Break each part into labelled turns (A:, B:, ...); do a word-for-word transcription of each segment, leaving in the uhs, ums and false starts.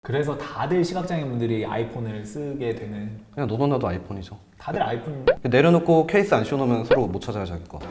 A: 그래서 다들 시각장애인 분들이 아이폰을 쓰게 되는.
B: 그냥 너도 나도 아이폰이죠.
A: 다들 아이폰.
B: 내려놓고 케이스 안 씌워놓으면 서로 못 찾아요, 자기 거.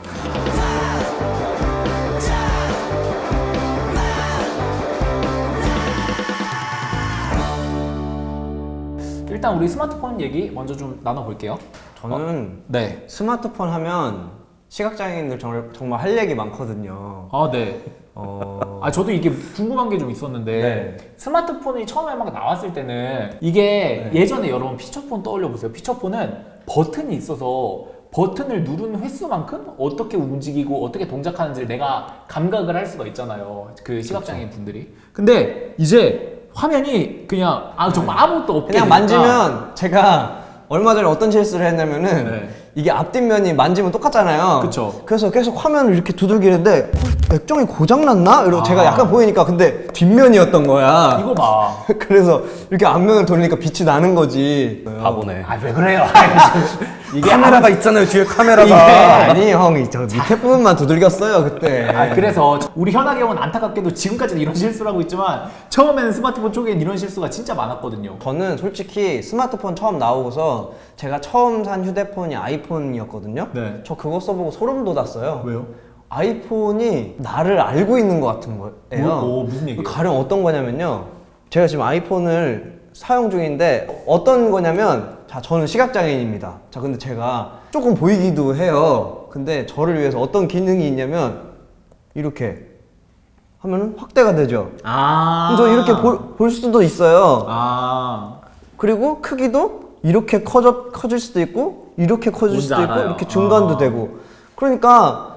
A: 일단 우리 스마트폰 얘기 먼저 좀 나눠볼게요.
C: 저는
A: 네.
C: 스마트폰 하면 시각장애인들 정말, 정말 할 얘기 많거든요.
A: 아, 네.
C: 어...
A: 아, 저도 이게 궁금한 게 좀 있었는데
C: 네.
A: 스마트폰이 처음에 막 나왔을 때는 이게
C: 네.
A: 예전에 여러분 피처폰 떠올려 보세요. 피처폰은 버튼이 있어서 버튼을 누르는 횟수만큼 어떻게 움직이고 어떻게 동작하는지를 내가 감각을 할 수가 있잖아요. 그 시각장애인 분들이. 근데 이제 화면이 그냥 아 정말 아무것도 없게
C: 그냥
A: 되니까.
C: 만지면 제가 얼마 전에 어떤 실수를 했냐면은
A: 네.
C: 이게 앞뒷면이 만지면 똑같잖아요.
A: 그쵸.
C: 그래서 계속 화면을 이렇게 두들기는데 어, 액정이 고장났나? 이러고
A: 아.
C: 제가 약간 보이니까 근데 뒷면이었던 거야.
A: 이거 봐.
C: 그래서 이렇게 앞면을 돌리니까 빛이 나는 거지.
B: 바보네.
A: 아 왜 그래요? 이게
B: 카메라가 있잖아요, 뒤에
C: 이게
B: 카메라가.
C: 아니 형, 저 밑에 부분만 두들겼어요 그때.
A: 아, 그래서 우리 현학이 형은 안타깝게도 지금까지도 이런 실수를 하고 있지만 처음에는 스마트폰 쪽엔 이런 실수가 진짜 많았거든요.
C: 저는 솔직히 스마트폰 처음 나오고서 제가 처음 산 휴대폰이 아이폰이었거든요.
A: 네.
C: 저 그거 써보고 소름 돋았어요.
A: 왜요?
C: 아이폰이 나를 알고 있는 것 같은 거예요.
A: 뭐, 오, 무슨 얘기예요?
C: 가령 어떤 거냐면요. 제가 지금 아이폰을 사용 중인데 어떤 거냐면, 자, 저는 시각장애인입니다. 자, 근데 제가 조금 보이기도 해요. 근데 저를 위해서 어떤 기능이 있냐면 이렇게 하면은 확대가 되죠.
A: 아.
C: 저 이렇게 볼, 볼 수도 있어요.
A: 아.
C: 그리고 크기도 이렇게 커져, 커질 수도 있고 이렇게 커질
A: 뭔지
C: 수도 있고
A: 알아요.
C: 이렇게 중간도
A: 아.
C: 되고. 그러니까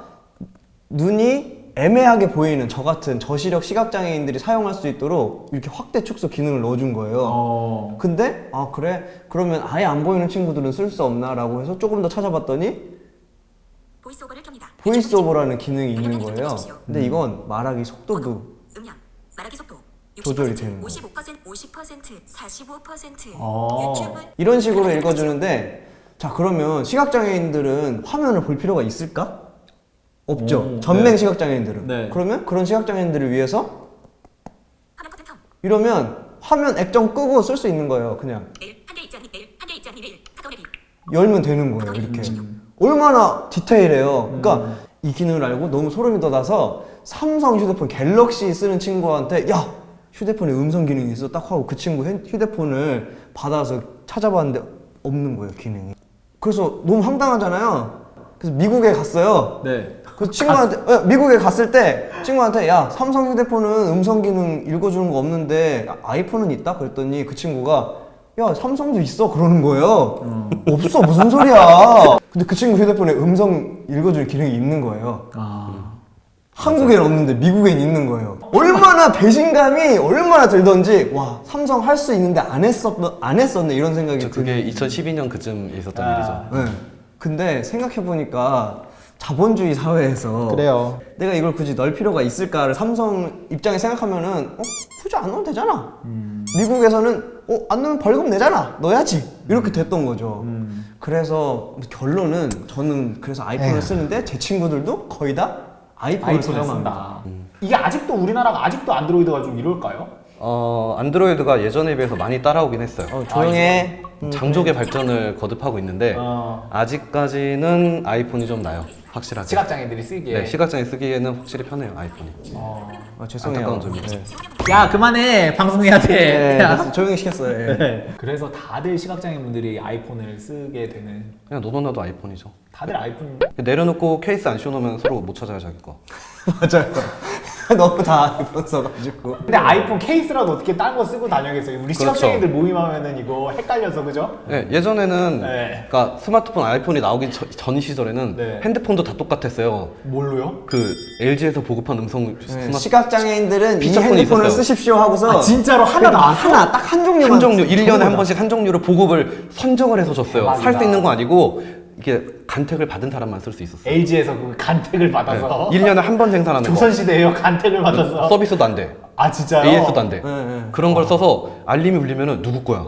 C: 눈이 애매하게 보이는 저 같은 저시력 시각장애인들이 사용할 수 있도록 이렇게 확대 축소 기능을 넣어준 거예요.
A: 어.
C: 근데 아 그래? 그러면 아예 안 보이는 친구들은 쓸 수 없나? 라고 해서 조금 더 찾아봤더니
D: 보이스오버를 켭니다.
C: 보이스오버라는 기능이 있는
D: 알림을
C: 거예요.
D: 설정해주십시오.
C: 근데 이건 말하기 속도도
D: 번호, 음량, 말하기 속도
C: 조절이 되는 거예요.
D: 오십 퍼센트, 오십 퍼센트, 사십오 퍼센트.
A: 어.
D: 유튜브
C: 이런 식으로 읽어주는데, 자 그러면 시각장애인들은 화면을 볼 필요가 있을까? 없죠.
A: 오,
C: 전맹
A: 네.
C: 시각장애인들은.
A: 네.
C: 그러면 그런 시각장애인들을 위해서
D: 화면 커튼 텀.
C: 이러면 화면 액정 끄고 쓸 수 있는 거예요. 그냥
D: 내일 한개 있지 않니? 내일 한개 있지 않니? 내일 카카오 내비.
C: 열면 되는 거예요. 이렇게. 얼마나 디테일해요. 그러니까 이 기능을 알고 너무 소름이 돋아서 삼성 휴대폰 갤럭시 쓰는 친구한테 야 휴대폰에 음성 기능이 있어 딱 하고 그 친구 핸- 휴대폰을 받아서 찾아봤는데 없는 거예요, 기능이. 그래서 너무 황당하잖아요. 그래서 미국에 갔어요.
A: 네.
C: 그 친구한테 어, 미국에 갔을 때 친구한테 야 삼성 휴대폰은 음성 기능 읽어주는 거 없는데 아, 아이폰은 있다? 그랬더니 그 친구가 야 삼성도 있어 그러는 거예요. 없어 무슨 소리야. 근데 그 친구 휴대폰에 음성 읽어주는 기능이 있는 거예요.
A: 아.
C: 한국엔 없는데 미국엔 있는 거예요. 얼마나 배신감이 얼마나 들던지 와 삼성 할 수 있는데 안 했었 안 했었네 이런 생각이
B: 저 그게 이천십이 년 그쯤 있었던
A: 아.
B: 일이죠.
C: 네. 근데 생각해보니까 자본주의 사회에서
A: 그래요.
C: 내가 이걸 굳이 넣을 필요가 있을까를 삼성 입장에 생각하면은 어? 굳이 안 넣어도 되잖아.
A: 음.
C: 미국에서는 어? 안 넣으면 벌금 내잖아. 넣어야지. 이렇게 됐던 거죠.
A: 음.
C: 그래서 결론은 저는 그래서 아이폰을
A: 에휴.
C: 쓰는데 제 친구들도 거의 다 아이폰을
A: 아이폰을
C: 사용합니다.
A: 쓴다. 이게 아직도 우리나라가 아직도 안드로이드가 좀 이럴까요?
B: 어, 안드로이드가 예전에 비해서 많이 따라오긴 했어요.
C: 어, 조용해. 음.
B: 장족의 발전을 거듭하고 있는데
A: 어.
B: 아직까지는 아이폰이 좀 나요. 확실하게.
A: 시각장애인들이 쓰기에.
B: 네, 시각장애 쓰기에는 확실히 편해요, 아이폰이.
A: 어.
C: 아, 죄송해요.
B: 안타까운 점이죠.
C: 네.
A: 야 그만해 방송해야 돼.
C: 네,
A: 야.
C: 그래서 조용히 시켰어요. 예.
A: 네. 그래서 다들 시각장애인 분들이 아이폰을 쓰게 되는.
B: 그냥 너도 나도 아이폰이죠.
A: 다들 아이폰.
B: 내려놓고 케이스 안 씌워놓으면 서로 못 찾아요, 자기 거.
C: 맞아요. 너무 다 아이폰 써가지고.
A: 근데 아이폰 케이스라도 어떻게 딴 거 쓰고 다녀겠어요? 우리
B: 그렇죠.
A: 시각장애인들 모임하면은 이거 헷갈려서 그죠?
B: 네, 예전에는
A: 네.
B: 그러니까 스마트폰 아이폰이 나오기 전, 전 시절에는
A: 네.
B: 핸드폰도 다 똑같았어요.
A: 뭘로요?
B: 그 엘지에서 보급한 음성
C: 네,
B: 스마트
C: 시각장애인들은 이
B: 피처폰이
C: 핸드폰을
B: 있었어요.
C: 쓰십시오 하고서
A: 아 진짜로 하나 나왔어?
C: 하나 딱 한 종류만
B: 한 종류 일 년에 한
C: 전부
B: 번씩 한 종류를 보급을 선정을 해서 줬어요.
A: 대박이다.
B: 살 수 있는 거 아니고 이게 간택을 받은 사람만 쓸 수 있었어요.
A: 엘지에서 그 간택을 받아서
B: 일 년에 한 번 생산하는 거.
A: 조선시대에요 간택을 받아서.
B: 서비스도 안 돼.
A: 아 진짜요?
B: 에이에스도 안 돼.
C: 네, 네.
B: 그런 걸 써서 알림이 울리면은 누구 거야?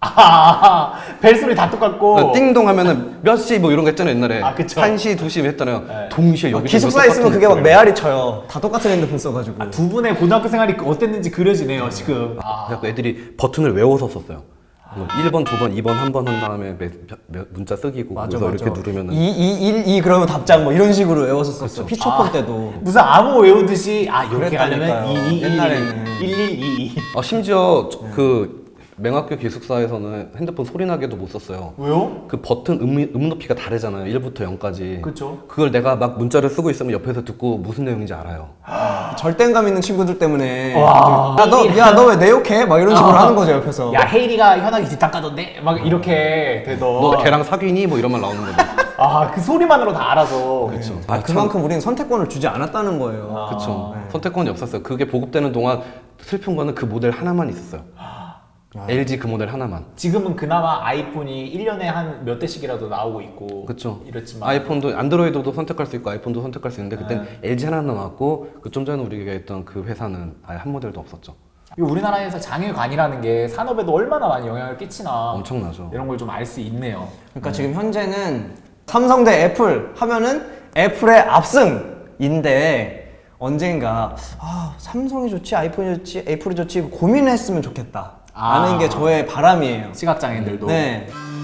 A: 아, 벨소리 다 똑같고.
B: 띵동 하면은 몇 시 뭐 이런 거 했잖아요 옛날에.
A: 아, 그쵸.
B: 한 시, 두 시 했잖아요.
A: 네.
B: 동시에 여기
C: 기숙사에 있으면 그게 막 메아리 쳐요. 다 똑같은 핸드폰 써가지고.
A: 아, 두 분의 고등학교 생활이 어땠는지 그려지네요, 지금. 아.
B: 그래서 애들이 버튼을 외워서 썼어요. 뭐 일 번, 두 번, 이 번 한 번 한 다음에 매, 매, 문자 쓰기고
C: 맞아,
B: 그래서
C: 맞아.
B: 이렇게 누르면은
C: 이, 이, 일, 이 그러면 답장 뭐 이런 식으로 외워서 썼어. 피처폰
A: 아,
C: 때도.
A: 무슨 암호 외우듯이 아 이렇게 가려면
C: 그랬다니까요.
A: 이, 이,
C: 옛날에는.
A: 일, 일, 이, 이.
B: 아, 심지어 저- 그 맹학교 기숙사에서는 핸드폰 소리 나게도 못 썼어요.
A: 왜요?
B: 그 버튼 음, 음 높이가 다르잖아요. 일부터 영까지.
A: 그쵸.
B: 그걸 내가 막 문자를 쓰고 있으면 옆에서 듣고 무슨 내용인지 알아요.
C: 절대감 있는 친구들 때문에.
A: 와.
C: 야, 너, 야, 너 왜 내 욕해? 막 이런 식으로 하는 거죠, 옆에서.
A: 야 헤이리가 현아기 뒷담가던데 막 이렇게 되던.
B: 너 걔랑 사귀니? 뭐 이런 말 나오는 거죠.
A: 아그 소리만으로 다 알아서.
B: 그렇죠.
C: 아, 그만큼 우리는 선택권을 주지 않았다는 거예요.
B: 그렇죠.
C: 네.
B: 선택권이 없었어요. 그게 보급되는 동안 슬픈 거는 그 모델 하나만 있었어요. 엘지 그 모델 하나만.
A: 지금은 그나마 아이폰이 일 년에 한 몇 대씩이라도 나오고 있고.
B: 그렇죠.
A: 이렇지만.
B: 아이폰도 안드로이드도 선택할 수 있고 아이폰도 선택할 수 있는데 그때
A: 네.
B: 엘지 하나 나왔고 그 좀 전에 우리가 했던 그 회사는 아예 한 모델도 없었죠.
A: 이 우리나라에서 장애관이라는 게 산업에도 얼마나 많이 영향을 끼치나.
B: 엄청나죠.
A: 이런 걸 좀 알 수 있네요.
C: 그러니까 지금 현재는 삼성 대 애플 하면은 애플의 압승인데 언젠가 아, 삼성이 좋지 아이폰이 좋지 애플이 좋지 고민을 했으면 좋겠다.
A: 아.
C: 라는 게 저의 바람이에요.
A: 시각장애인들도.
C: 네.